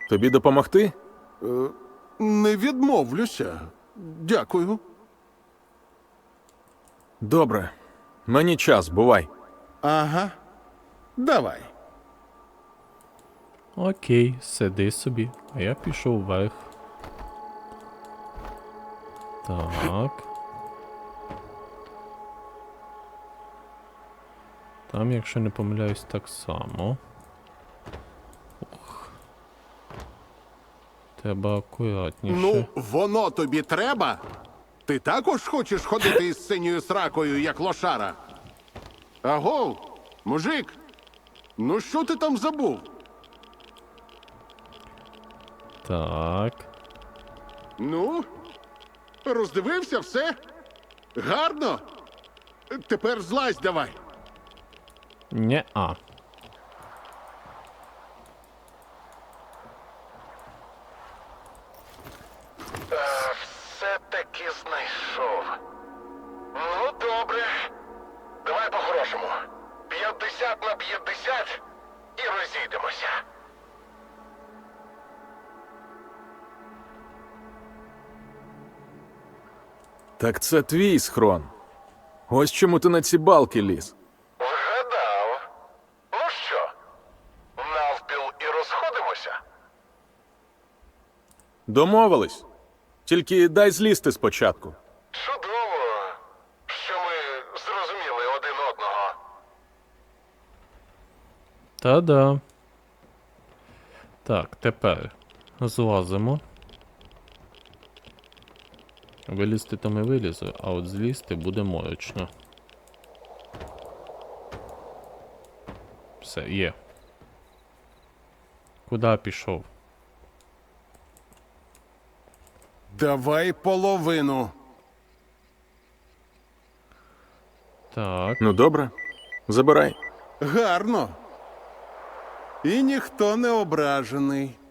Тобі допомогти? Не відмовлюся. Дякую. Добре. Мені час, бувай. Ага. Давай. Окей, сиди собі. А я пішов вверх. Так. Там, якщо не помиляюсь, так само. Ух. Треба акуратніше. Ну, воно тобі треба? Ти також хочеш ходити із синьою сракою, як лошара? Агов, мужик, ну що ти там забув? Так. Ну, роздивився все? Гарно? Тепер злазь давай. Не-а. Все-таки знайшов. Ну, добре. Давай по-хорошому. 50 на 50 і розійдемося. Так це твій схрон. Ось чому ти на ці балки ліз. Вгадав. Ну що, навпіл і розходимося? Домовились. Тільки дай злізти спочатку. Чудово, що ми зрозуміли один одного. Та-да. Так, тепер злазимо. Вилізти то ми вилізли, а от злізти буде морочно. Все, є. Куди пішов? Давай половину. Так. Ну добре, забирай. Гарно. І ніхто не ображений.